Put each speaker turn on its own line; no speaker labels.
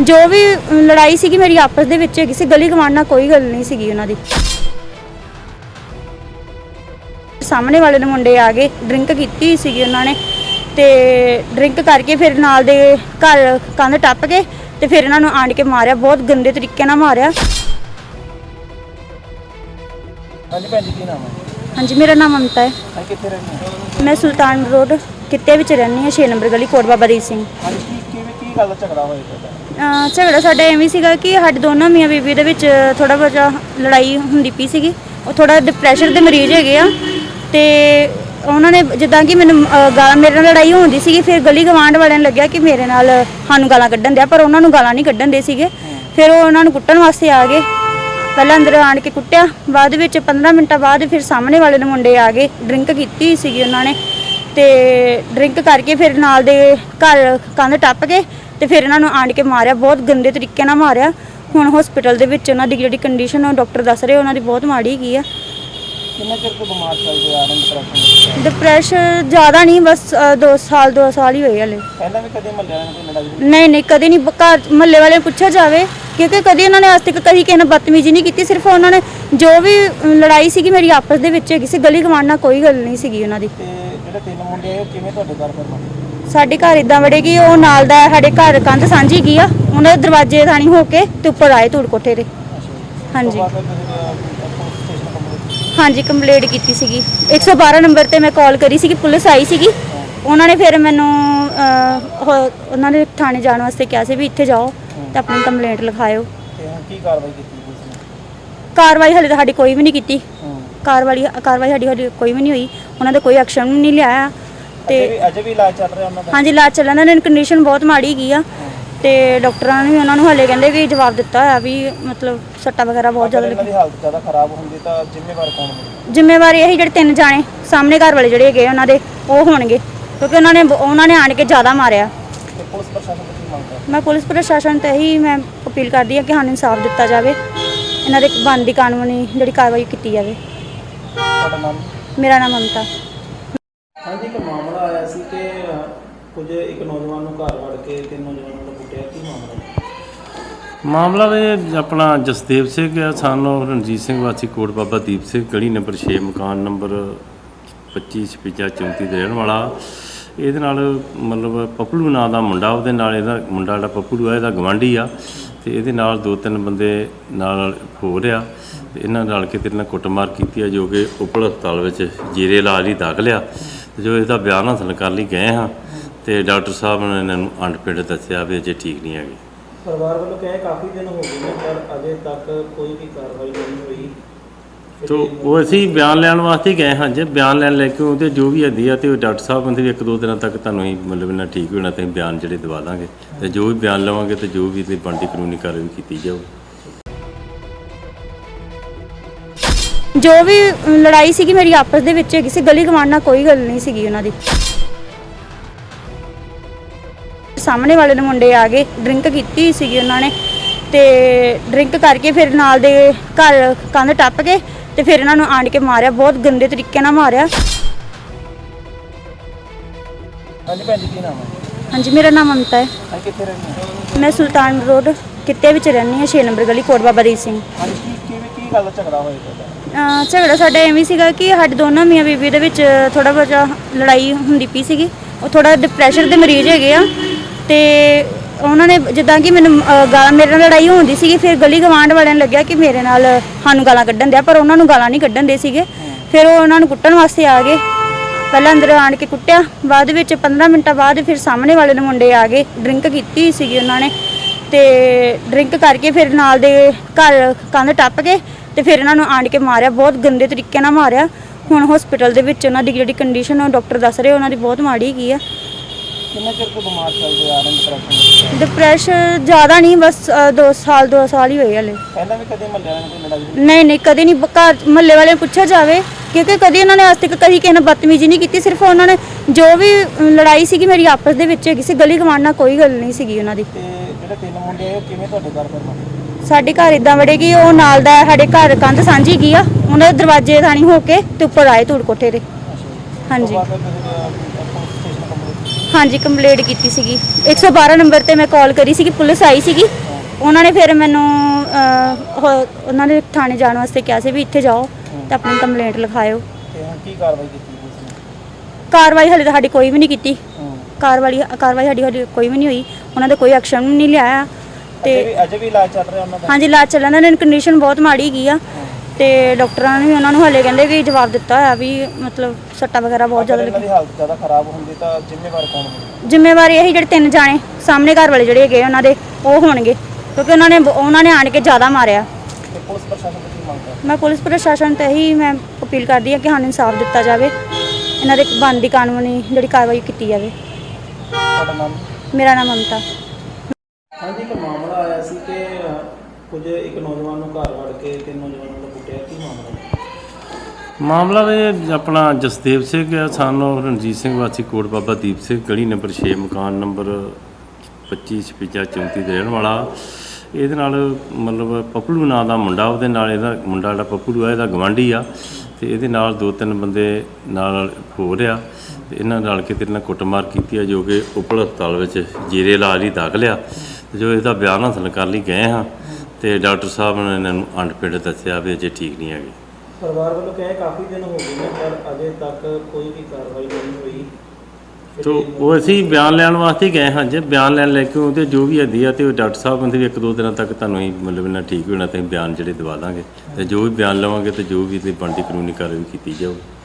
ਜੋ ਵੀ ਲੜਾਈ ਸੀਗੀ ਮੇਰੀ ਆਪਸ ਦੇ ਵਿੱਚ ਹੈਗੀ ਸੀ, ਗਲੀ ਗਵਾਂਢ ਨਾਲ ਕੋਈ ਗੱਲ ਨਹੀਂ ਸੀਗੀ ਉਹਨਾਂ ਦੀ। ਸਾਹਮਣੇ ਵਾਲੇ ਦੇ ਮੁੰਡੇ ਆ ਗਏ, ਡਰਿੰਕ ਕੀਤੀ ਹੋਈ ਸੀਗੀ ਉਹਨਾਂ ਨੇ ਤੇ ਡਰਿੰਕ ਕਰਕੇ ਫਿਰ ਨਾਲ ਦੇ ਘਰ ਕੰਧ ਟੱਪ ਕੇ ਤੇ ਫਿਰ ਇਹਨਾਂ ਨੂੰ ਆਣ ਕੇ ਮਾਰਿਆ, ਬਹੁਤ ਗੰਦੇ ਤਰੀਕੇ ਨਾਲ ਮਾਰਿਆ।
ਹਾਂਜੀ ਭੈਣ ਜੀ, ਕੀ ਨਾਮ ਹੈ?
ਹਾਂਜੀ, ਮੇਰਾ ਨਾਮ ਮਮਤਾ ਹੈ।
ਹਾਂ, ਕਿੱਥੇ ਰਹਿੰਦੇ ਹੋ?
ਮੈਂ ਸੁਲਤਾਨ ਰੋਡ ਕਿੱਤੇ ਵਿੱਚ ਰਹਿੰਦੀ ਹਾਂ, 6 ਨੰਬਰ ਗਲੀ, ਕੋਟ ਬਾਬਾ ਦੀਪ ਸਿੰਘ।
ਹਾਂਜੀ, ਕੀ ਗੱਲ ਦਾ ਝਗੜਾ ਹੋਇਆ ਤੁਹਾਡਾ?
ਝਗੜਾ ਸਾਡਾ ਐਵੇਂ ਸੀਗਾ ਕਿ ਸਾਡੇ ਦੋਨੋਂ ਮੀਆਂ ਬੀਬੀ ਦੇ ਵਿੱਚ ਥੋੜਾ ਬਹੁਤਾ ਲੜਾਈ ਹੁੰਦੀ ਪਈ ਸੀਗੀ। ਉਹ ਥੋੜਾ ਡਿਪਰੈਸ਼ਨ ਦੇ ਮਰੀਜ਼ ਹੈਗੇ ਆ ਤੇ ਉਹਨਾਂ ਨੇ ਜਿੱਦਾਂ ਕਿ ਮੈਨੂੰ ਮੇਰੇ ਨਾਲ ਲੜਾਈ ਹੁੰਦੀ ਸੀਗੀ, ਫਿਰ ਗਲੀ ਗਵਾਂਢ ਵਾਲਿਆਂ ਨੂੰ ਲੱਗਿਆ ਕਿ ਮੇਰੇ ਨਾਲ ਸਾਨੂੰ ਗਾਲਾਂ ਕੱਢਣ ਦਿਆ, ਪਰ ਉਹਨਾਂ ਨੂੰ ਗਾਲਾਂ ਨਹੀਂ ਕੱਢਣ ਦੇ ਸੀਗੇ। ਫਿਰ ਉਹ ਉਹਨਾਂ ਨੂੰ ਕੁੱਟਣ ਵਾਸਤੇ ਆ ਗਏ, ਪਹਿਲਾਂ ਅੰਦਰ ਆਣ ਕੇ ਕੁੱਟਿਆ, ਬਾਅਦ ਵਿੱਚ 15 ਮਿੰਟਾਂ ਬਾਅਦ ਫਿਰ ਸਾਹਮਣੇ ਵਾਲੇ ਦੇ ਮੁੰਡੇ ਆ ਗਏ, ਡਰਿੰਕ ਕੀਤੀ ਹੋਈ ਸੀਗੀ ਉਹਨਾਂ ਨੇ ਤੇ ਡਰਿੰਕ ਕਰਕੇ ਫਿਰ ਨਾਲ ਦੇ ਘਰ ਕੰਧ ਟੱਪ ਕੇ ਤੇ ਫਿਰ ਇਹਨਾਂ ਨੂੰ ਆਣ ਕੇ ਮਾਰਿਆ, ਬਹੁਤ ਗੰਦੇ ਤਰੀਕੇ ਨਾਲ ਮਾਰਿਆ। ਹੁਣ ਹਸਪੀਟਲ ਦੇ ਵਿੱਚ ਉਹਨਾਂ ਦੀ ਜਿਹੜੀ ਕੰਡੀਸ਼ਨ ਉਹ ਡਾਕਟਰ ਦੱਸ ਰਹੇ ਉਹਨਾਂ ਦੀ ਬਹੁਤ ਮਾੜੀ ਹੈਗੀ ਆ।
ਕਿੰਨਾ ਚਿਰ ਤੋਂ ਬਿਮਾਰ ਚੱਲਦੇ ਆ ਰਹੇ?
ਡਿਪਰੈਸ਼ਨ ਜ਼ਿਆਦਾ ਨਹੀਂ, ਬਸ 2 ਸਾਲ ਹੀ ਹੋਏ ਹਲੇ।
ਪਹਿਲਾਂ ਵੀ ਕਦੇ ਮਹੱਲੇ ਵਾਲਿਆਂ ਨਾਲ ਕੋਈ ਲੜਾਈ?
ਨਹੀਂ, ਕਦੇ ਨਹੀਂ। ਘਰ ਮਹੱਲੇ ਵਾਲਿਆਂ ਨੂੰ ਪੁੱਛਿਆ ਜਾਵੇ, ਕਿਉਂਕਿ ਕਦੇ ਉਹਨਾਂ ਨੇ ਅੱਜ ਤੱਕ ਕਦੀ ਕਿਸੇ ਨਾਲ ਬਦਤਮੀਜ਼ੀ ਨਹੀਂ ਕੀਤੀ। ਸਿਰਫ ਉਹਨਾਂ ਨੇ ਜੋ ਵੀ ਲੜਾਈ ਸੀਗੀ ਮੇਰੀ ਆਪਸ ਦੇ ਵਿੱਚ ਹੈਗੀ ਸੀ, ਗਲੀ ਗਵਾਂਢ ਨਾਲ ਕੋਈ ਗੱਲ ਨਹੀਂ ਸੀਗੀ ਉਹਨਾਂ ਦੀ।
ਤੇ ਜਿਹੜੇ 3 ਮੁੰਡੇ ਆਏ ਉਹ ਕਿਵੇਂ ਤੁਹਾਡੇ ਘਰ ਫਿਰ?
ਸਾਡੇ ਘਰ ਇਦਾਂ ਵੜੇ ਕਿ ਉਹ ਨਾਲ ਦਾ ਸਾਡੇ ਘਰ ਕੰਧ ਸਾਂਝੀ ਗਈ ਆ, ਉਹਨਾਂ ਦੇ ਦਰਵਾਜ਼ੇ ਥਾਣੀ ਹੋ ਕੇ ਤੇ ਉੱਪਰ ਆਏ ਧੂੜ ਕੋਠੇ ਤੇ। ਹਾਂਜੀ ਹਾਂਜੀ, ਕੰਪਲੇਂਟ ਕੀਤੀ ਸੀਗੀ 112 ਨੰਬਰ ਤੇ ਮੈਂ ਕਾਲ ਕਰੀ ਸੀਗੀ, ਪੁਲਿਸ ਆਈ ਸੀਗੀ। ਉਹਨਾਂ ਨੇ ਫਿਰ ਮੈਨੂੰ ਉਹਨਾਂ ਦੇ ਥਾਣੇ ਜਾਣ ਵਾਸਤੇ ਕਿਹਾ ਸੀ ਵੀ ਇੱਥੇ ਜਾਓ ਤੇ ਆਪਣੀ ਕੰਪਲੇਂਟ ਲਿਖਾਇਓ।
ਤੇ ਹੁਣ ਕੀ ਕਾਰਵਾਈ ਕੀਤੀ ਪੁਲਿਸ ਨੇ?
ਕਾਰਵਾਈ ਹਲੇ ਤਾਂ ਸਾਡੀ ਕੋਈ ਵੀ ਨਹੀਂ ਕੀਤੀ। ਕਾਰਵਾਈ ਸਾਡੀ ਕੋਈ ਵੀ ਨਹੀਂ ਹੋਈ, ਉਹਨਾਂ ਦਾ ਕੋਈ ਐਕਸ਼ਨ ਵੀ ਨਹੀਂ ਲਿਆ। ਤੇ
ਅਜੇ ਵੀ ਇਲਾਜ ਚੱਲ ਰਿਹਾ ਉਹਨਾਂ ਦਾ? ਹਾਂਜੀ,
ਇਲਾਜ ਚੱਲਣ ਦਾ। ਕੰਡੀਸ਼ਨ ਬਹੁਤ ਮਾੜੀ ਗਈ ਆ ਤੇ ਡਾਕਟਰਾਂ ਨੇ ਵੀ ਉਹਨਾਂ ਨੂੰ ਹਲੇ ਕਹਿੰਦੇ ਕਿ ਜਵਾਬ ਦਿੱਤਾ ਹੋਇਆ ਵੀ ਮਤਲਬ ਸੱਟਾਂ ਵਗੈਰਾ ਬਹੁਤ ਜ਼ਿਆਦਾ
ਲੱਗੀ। ਹਾਲਤ ਜ਼ਿਆਦਾ ਖਰਾਬ ਹੁੰਦੀ ਤਾਂ ਜ਼ਿੰਮੇਵਾਰ ਕੌਣ ਹੋਵੇ?
ਜ਼ਿੰਮੇਵਾਰ ਇਹੀ ਜਿਹੜੇ 3 ਜਾਣੇ ਸਾਹਮਣੇ ਘਰ ਵਾਲੇ ਜਿਹੜੇ ਹੈਗੇ ਉਹਨਾਂ ਦੇ, ਉਹ ਹੋਣਗੇ, ਕਿਉਂਕਿ ਉਹਨਾਂ ਨੇ ਆਣ ਕੇ ਜ਼ਿਆਦਾ ਮਾਰਿਆ।
ਤੇ ਪੁਲਿਸ ਪ੍ਰਸ਼ਾਸਨ ਤੋਂ ਕੀ ਮੰਗ ਕਰਦੇ?
ਮੈਂ ਪੁਲਿਸ ਪ੍ਰਸ਼ਾਸਨ ਤੇ ਇਹੀ ਮੈਂ ਅਪੀਲ ਕਰਦੀ ਹਾਂ ਕਿ ਸਾਨੂੰ ਇਨਸਾਫ ਦਿੱਤਾ ਜਾਵੇ, ਇਹਨਾਂ ਦੇ ਬਣਦੀ ਕਾਨੂੰਨੀ ਜਿਹੜੀ ਕਾਰਵਾਈ ਕੀਤੀ ਜਾਵੇ।
ਤੁਹਾਡਾ ਨਾਮ?
ਮੇਰਾ ਨਾਮ ਮਮਤਾ।
ਹਾਂਜੀ, ਇੱਕ ਮਾਮਲਾ ਆਇਆ ਸੀ ਕਿ ਕੁਝ ਇੱਕ ਨੌਜਵਾਨ ਨੂੰ ਘਰ ਵੜ ਕੇ 3 ਨੌਜਵਾਨਾਂ ਨੂੰ ਕੁੱਟਿਆ, ਕੀ ਮਾਮਲਾ ਹੈ?
ਮਾਮਲਾ ਵੀ ਆਪਣਾ ਜਸਦੇਵ ਸਿੰਘ ਆ, ਸਾਨੂੰ ਰਣਜੀਤ ਸਿੰਘ ਵਾਸੀ ਕੋਟ ਬਾਬਾ ਦੀਪ ਸਿੰਘ, ਗਲੀ ਨੰਬਰ 6, ਮਕਾਨ ਨੰਬਰ 25 56 34 ਦੇ ਰਹਿਣ ਵਾਲਾ। ਇਹਦੇ ਨਾਲ ਮਤਲਬ ਪੱਪਲੂ ਨਾਂ ਦਾ ਮੁੰਡਾ, ਉਹਦੇ ਨਾਲ ਇਹਦਾ ਮੁੰਡਾ ਜਿਹੜਾ ਪੱਪਲੂ ਆ ਇਹਦਾ ਗਵਾਂਢੀ ਆ ਤੇ ਇਹਦੇ ਨਾਲ 2-3 ਬੰਦੇ ਨਾਲ ਹੋ ਰਿਹਾ ਤੇ ਇਹਨਾਂ ਨਾਲ ਕੇ ਤੇਰੇ ਨਾਲ ਕੁੱਟਮਾਰ ਕੀਤੀ ਆ, ਜੋ ਕਿ ਉਪਲ ਹਸਪਤਾਲ ਵਿੱਚ ਜੀਰੇ ਇਲਾਜ ਲਈ ਦਾਖਲ ਆ। ਜੋ ਇਹਦਾ ਬਿਆਨ ਹਾਸਲ ਕਰਨ ਲਈ ਗਏ ਹਾਂ ਤੇ ਡਾਕਟਰ ਸਾਹਿਬ ਨੇ ਇਹਨਾਂ ਨੂੰ ਅੰਡਪਿੰਡ ਦੱਸਿਆ ਵੀ ਅਜੇ ਠੀਕ ਨਹੀਂ ਹੈਗੇ।
ਪਰਿਵਾਰ ਵੱਲੋਂ ਕਹੇ ਕਾਫੀ ਦਿਨ ਹੋ ਗਏ ਨੇ ਪਰ ਅਜੇ ਤੱਕ ਕੋਈ ਵੀ ਕਾਰਵਾਈ ਨਹੀਂ ਹੋਈ।
ਤੋ ਉਹ ਅਸੀਂ ਬਿਆਨ ਲੈਣ ਵਾਸਤੇ ਗਏ ਹਾਂ। ਜੇ ਬਿਆਨ ਲੈਣ ਲੈ ਕੇ ਉਹਦੇ ਜੋ ਵੀ ਹੁੰਦੀ ਆ ਤੇ ਉਹ ਡਾਕਟਰ ਸਾਹਿਬ ਕਹਿੰਦੇ ਵੀ 1-2 ਦਿਨਾਂ ਤੱਕ ਤੁਹਾਨੂੰ ਹੀ ਮਤਲਬ ਇਹਨਾਂ ਠੀਕ ਹੋਣਾ ਤੇ ਬਿਆਨ ਜਿਹੜੇ ਦਵਾ ਦਾਂਗੇ ਤੇ ਜੋ ਵੀ ਬਿਆਨ ਲਵਾਂਗੇ ਤੇ ਜੋ ਵੀ ਤੇ ਬਣਦੀ ਕਾਨੂੰਨੀ ਕਾਰਵਾਈ ਕੀਤੀ ਜਾਊ।
ਜੋ ਵੀ ਲੜਾਈ ਸੀਗੀ ਮੇਰੀ ਆਪਸ ਦੇ ਵਿੱਚ ਹੈਗੀ ਸੀ, ਗਲੀ ਗਵਾਂਢ ਨਾਲ ਕੋਈ ਗੱਲ ਨਹੀਂ ਸੀਗੀ ਉਹਨਾਂ ਦੀ। ਸਾਹਮਣੇ ਵਾਲੇ ਦੇ ਮੁੰਡੇ ਆ ਗਏ, ਡਰਿੰਕ ਕੀਤੀ ਹੋਈ ਸੀਗੀ ਉਹਨਾਂ ਨੇ ਤੇ ਡਰਿੰਕ ਕਰਕੇ ਫਿਰ ਨਾਲ ਦੇ ਘਰ ਕੰਧ ਟੱਪ ਕੇ ਤੇ ਫਿਰ ਇਹਨਾਂ ਨੂੰ ਆਣ ਕੇ ਮਾਰਿਆ, ਬਹੁਤ ਗੰਦੇ ਤਰੀਕੇ ਨਾਲ ਮਾਰਿਆ।
ਹਾਂਜੀ ਭੈਣ ਜੀ, ਕੀ ਨਾਮ ਹੈ?
ਹਾਂਜੀ, ਮੇਰਾ ਨਾਮ ਮਮਤਾ ਹੈ।
ਹਾਂ, ਕਿੱਥੇ ਰਹਿੰਦੇ ਹੋ?
ਮੈਂ ਸੁਲਤਾਨ ਰੋਡ ਕਿੱਤੇ ਵਿੱਚ ਰਹਿੰਦੀ ਹਾਂ, 6 ਨੰਬਰ ਗਲੀ, ਕੋਟ ਬਾਬਾ ਦੀਪ ਸਿੰਘ।
ਹਾਂਜੀ, ਕੀ ਗੱਲ ਦਾ ਝਗੜਾ ਹੋਇਆ ਤੁਹਾਡਾ?
ਝਗੜਾ ਸਾਡਾ ਐਵੇਂ ਸੀਗਾ ਕਿ ਸਾਡੇ ਦੋਨੋਂ ਮੀਆਂ ਬੀਬੀ ਦੇ ਵਿੱਚ ਥੋੜਾ ਬਹੁਤਾ ਲੜਾਈ ਹੁੰਦੀ ਪਈ ਸੀਗੀ। ਉਹ ਥੋੜਾ ਡਿਪਰੈਸ਼ਨ ਦੇ ਮਰੀਜ਼ ਹੈਗੇ ਆ ਤੇ ਉਹਨਾਂ ਨੇ ਜਿੱਦਾਂ ਕਿ ਮੈਨੂੰ ਮੇਰੇ ਨਾਲ ਲੜਾਈ ਹੁੰਦੀ ਸੀਗੀ, ਫਿਰ ਗਲੀ ਗਵਾਂਢ ਵਾਲਿਆਂ ਨੂੰ ਲੱਗਿਆ ਕਿ ਮੇਰੇ ਨਾਲ ਸਾਨੂੰ ਗਾਲਾਂ ਕੱਢਣ ਦਿਆ, ਪਰ ਉਹਨਾਂ ਨੂੰ ਗਾਲਾਂ ਨਹੀਂ ਕੱਢਣ ਦੇ ਸੀਗੇ। ਫਿਰ ਉਹ ਉਹਨਾਂ ਨੂੰ ਕੁੱਟਣ ਵਾਸਤੇ ਆ ਗਏ, ਪਹਿਲਾਂ ਅੰਦਰ ਆਣ ਕੇ ਕੁੱਟਿਆ, ਬਾਅਦ ਵਿੱਚ 15 ਮਿੰਟਾਂ ਬਾਅਦ ਫਿਰ ਸਾਹਮਣੇ ਵਾਲੇ ਦੇ ਮੁੰਡੇ ਆ ਗਏ, ਡਰਿੰਕ ਕੀਤੀ ਹੋਈ ਸੀਗੀ ਉਹਨਾਂ ਨੇ ਤੇ ਡਰਿੰਕ ਕਰਕੇ ਫਿਰ ਨਾਲ ਦੇ ਘਰ ਕੰਧ ਟੱਪ ਕੇ ਤੇ ਫਿਰ ਇਹਨਾਂ ਨੂੰ ਆਣ ਕੇ ਮਾਰਿਆ, ਬਹੁਤ ਗੰਦੇ ਤਰੀਕੇ ਨਾਲ ਮਾਰਿਆ। ਹੁਣ ਹਸਪੀਟਲ ਦੇ ਵਿੱਚ ਉਹਨਾਂ ਦੀ ਜਿਹੜੀ ਕੰਡੀਸ਼ਨ ਉਹ ਡਾਕਟਰ ਦੱਸ ਰਹੇ ਉਹਨਾਂ ਦੀ ਬਹੁਤ ਮਾੜੀ ਹੈਗੀ ਆ।
ਕਿੰਨਾ ਚਿਰ ਤੋਂ ਬਿਮਾਰ ਚੱਲਦੇ ਆ ਰਹੇ?
ਡਿਪਰੈਸ਼ਨ ਜ਼ਿਆਦਾ ਨਹੀਂ, ਬਸ 2 ਸਾਲ ਹੀ ਹੋਏ ਹਲੇ।
ਪਹਿਲਾਂ ਵੀ ਕਦੇ ਮਹੱਲੇ ਵਾਲਿਆਂ ਨਾਲ ਕੋਈ ਲੜਾਈ?
ਨਹੀਂ, ਕਦੇ ਨਹੀਂ। ਘਰ ਮਹੱਲੇ ਵਾਲਿਆਂ ਨੂੰ ਪੁੱਛਿਆ ਜਾਵੇ, ਕਿਉਂਕਿ ਕਦੇ ਉਹਨਾਂ ਨੇ ਅੱਜ ਤੱਕ ਕਦੀ ਕਿਸੇ ਨਾਲ ਬਦਤਮੀਜ਼ੀ ਨਹੀਂ ਕੀਤੀ। ਸਿਰਫ ਉਹਨਾਂ ਨੇ ਜੋ ਵੀ ਲੜਾਈ ਸੀਗੀ ਮੇਰੀ ਆਪਸ ਦੇ ਵਿੱਚ ਹੈਗੀ ਸੀ, ਗਲੀ ਗਵਾਂਢ ਨਾਲ ਕੋਈ ਗੱਲ ਨਹੀਂ ਸੀਗੀ ਉਹਨਾਂ ਦੀ।
ਤੇ ਜਿਹੜੇ 3 ਮੁੰਡੇ ਆਏ ਉਹ ਕਿਵੇਂ ਤੁਹਾਡੇ ਘਰ ਫਿਰ?
ਸਾਡੇ ਘਰ ਇਦਾਂ ਵੜੇ ਕਿ ਉਹ ਨਾਲ ਦਾ ਸਾਡੇ ਘਰ ਕੰਧ ਸਾਂਝੀ ਗਈ ਆ, ਉਹਨਾਂ ਦੇ ਦਰਵਾਜ਼ੇ ਥਾਣੀ ਹੋ ਕੇ ਤੇ ਉੱਪਰ ਆਏ ਧੂੜ ਕੋਠੇ ਤੇ। ਹਾਂਜੀ ਹਾਂਜੀ ਕੰਪਲੇਂਟ ਕੀਤੀ ਸੀਗੀ 112 ਨੰਬਰ ਤੇ ਮੈਂ ਕਾਲ ਕਰੀ ਸੀਗੀ, ਪੁਲਿਸ ਆਈ ਸੀਗੀ। ਉਹਨਾਂ ਨੇ ਫਿਰ ਮੈਨੂੰ ਉਹਨਾਂ ਨੇ ਥਾਣੇ ਜਾਣ ਵਾਸਤੇ ਕਿਹਾ ਸੀ ਵੀ ਇੱਥੇ ਜਾਓ ਤੇ ਆਪਣੀ ਕੰਪਲੇਂਟ ਲਿਖਾਇਓ।
ਤੇ ਹੁਣ ਕੀ ਕਾਰਵਾਈ ਕੀਤੀ ਪੁਲਿਸ ਨੇ?
ਕਾਰਵਾਈ ਹਲੇ ਤਾਂ ਸਾਡੀ ਕੋਈ ਵੀ ਨਹੀਂ ਕੀਤੀ। ਕਾਰਵਾਈ ਸਾਡੀ ਕੋਈ ਵੀ ਨਹੀਂ ਹੋਈ। ਉਹਨਾਂ ਦਾ ਕੋਈ ਐਕਸ਼ਨ ਵੀ ਨਹੀਂ ਲਿਆ ਤੇ
ਅਜੇ ਵੀ ਇਲਾਜ ਚੱਲ ਰਿਹਾ ਉਹਨਾਂ ਦਾ?
ਹਾਂਜੀ ਇਲਾਜ ਚੱਲਣ ਦਾ। ਕੰਡੀਸ਼ਨ ਬਹੁਤ ਮਾੜੀ ਹੈਗੀ ਆ ਤੇ ਡਾਕਟਰਾਂ ਨੇ ਵੀ ਉਹਨਾਂ ਨੂੰ ਹਲੇ ਕਹਿੰਦੇ ਕਿ ਜਵਾਬ ਦਿੱਤਾ ਹੋਇਆ ਵੀ ਮਤਲਬ ਸੱਟਾਂ ਵਗੈਰਾ ਬਹੁਤ ਜ਼ਿਆਦਾ
ਇਹਨਾਂ ਦੀ ਹਾਲਤ ਜ਼ਿਆਦਾ ਖਰਾਬ ਹੁੰਦੀ ਤਾਂ ਜ਼ਿੰਮੇਵਾਰ ਕੌਣ ਹੋਵੇ?
ਜ਼ਿੰਮੇਵਾਰੀ ਇਹੀ ਜਿਹੜੇ 3 ਜਾਣੇ ਸਾਹਮਣੇ ਘਰ ਵਾਲੇ ਜਿਹੜੇ ਹੈਗੇ ਉਹਨਾਂ ਦੇ ਉਹ ਹੋਣਗੇ, ਕਿਉਂਕਿ ਉਹਨਾਂ ਨੇ ਆਣ ਕੇ ਜ਼ਿਆਦਾ ਮਾਰਿਆ।
ਤੇ ਪੁਲਿਸ ਪ੍ਰਸ਼ਾਸਨ ਤੋਂ ਕੀ ਮੰਗ ਕਰਦੇ?
ਮੈਂ ਪੁਲਿਸ ਪ੍ਰਸ਼ਾਸਨ ਤੇ ਹੀ ਮੈਂ ਅਪੀਲ ਕਰਦੀ ਹਾਂ ਕਿ ਸਾਨੂੰ ਇਨਸਾਫ ਦਿੱਤਾ ਜਾਵੇ, ਇਹਨਾਂ ਦੇ ਬਣਦੀ ਕਾਨੂੰਨੀ ਜਿਹੜੀ ਕਾਰਵਾਈ ਕੀਤੀ ਜਾਵੇ।
ਤੁਹਾਡਾ ਨਾਮ?
ਮੇਰਾ ਨਾਮ ਮਮਤਾ।
ਹਾਂਜੀ, ਇੱਕ ਮਾਮਲਾ ਆਇਆ ਸੀ ਕਿ ਕੁਝ ਇੱਕ ਨੌਜਵਾਨ ਨੂੰ ਘਰ ਵੜ ਕੇ 3 ਨੌਜਵਾਨਾਂ ਨੂੰ ਕੁੱਟਿਆ, ਕੀ ਮਾਮਲਾ ਹੈ?
ਮਾਮਲਾ ਵੀ ਆਪਣਾ ਜਸਦੇਵ ਸਿੰਘ ਆ, ਸਾਨੂੰ ਰਣਜੀਤ ਸਿੰਘ ਵਾਸੀ ਕੋਟ ਬਾਬਾ ਦੀਪ ਸਿੰਘ ਗਲੀ ਨੰਬਰ 6 ਮਕਾਨ ਨੰਬਰ 25 56 34 ਦੇ ਰਹਿਣ ਵਾਲਾ। ਇਹਦੇ ਨਾਲ ਮਤਲਬ ਪਪਲੂ ਨਾਂ ਦਾ ਮੁੰਡਾ, ਉਹਦੇ ਨਾਲ ਇਹਦਾ ਮੁੰਡਾ ਜਿਹੜਾ ਪਪਲੂ ਆ ਇਹਦਾ ਗਵਾਂਢੀ ਆ ਤੇ ਇਹਦੇ ਨਾਲ 2-3 ਬੰਦੇ ਨਾਲ ਹੋ ਰਿਹਾ ਤੇ ਇਹਨਾਂ ਨਾਲ ਕੇ ਤੇਰੇ ਨਾਲ ਕੁੱਟਮਾਰ ਕੀਤੀ ਆ, ਜੋ ਕਿ ਉਪਲ ਹਸਪਤਾਲ ਵਿੱਚ ਜੀਰੇ ਇਲਾਜ ਲਈ ਦਾਖਲ ਆ। ਤੇ ਜੋ ਇਹਦਾ ਬਿਆਨ ਹਾਸਲ ਕਰਨ ਲਈ ਗਏ ਹਾਂ ਤੇ ਡਾਕਟਰ ਸਾਹਿਬ ਨੇ ਇਹਨਾਂ ਨੂੰ ਅਨਫਿਟ ਦੱਸਿਆ ਵੀ ਅਜੇ ਠੀਕ ਨਹੀਂ ਹੈਗੇ।
ਪਰਿਵਾਰ ਵੱਲੋਂ ਕਹੇ ਕਾਫੀ ਦਿਨ ਹੋ ਗਏ ਨੇ ਪਰ ਅਜੇ ਤੱਕ ਕੋਈ ਵੀ ਕਾਰਵਾਈ ਨਹੀਂ ਹੋਈ।
ਤੋ ਉਹ ਅਸੀਂ ਬਿਆਨ ਲੈਣ ਵਾਸਤੇ ਹੀ ਗਏ ਹਾਂ। ਜੇ ਬਿਆਨ ਲੈ ਕੇ ਉਹਦੇ ਜੋ ਵੀ ਹੱਦੀ ਆ ਤੇ ਉਹ ਡਾਕਟਰ ਸਾਹਿਬ ਕਹਿੰਦੇ ਵੀ 1-2 ਦਿਨਾਂ ਤੱਕ ਤੁਹਾਨੂੰ ਹੀ ਮਤਲਬ ਇਹਨਾਂ ਠੀਕ ਹੋਣਾ ਤੇ ਬਿਆਨ ਜਿਹੜੇ ਦਵਾ ਦਾਂਗੇ ਤੇ ਜੋ ਵੀ ਬਿਆਨ ਲਵਾਂਗੇ ਤੇ ਜੋ ਵੀ ਤੇ ਬਣਦੀ ਕਾਨੂੰਨੀ ਕਾਰਵਾਈ ਕੀਤੀ ਜਾਊ।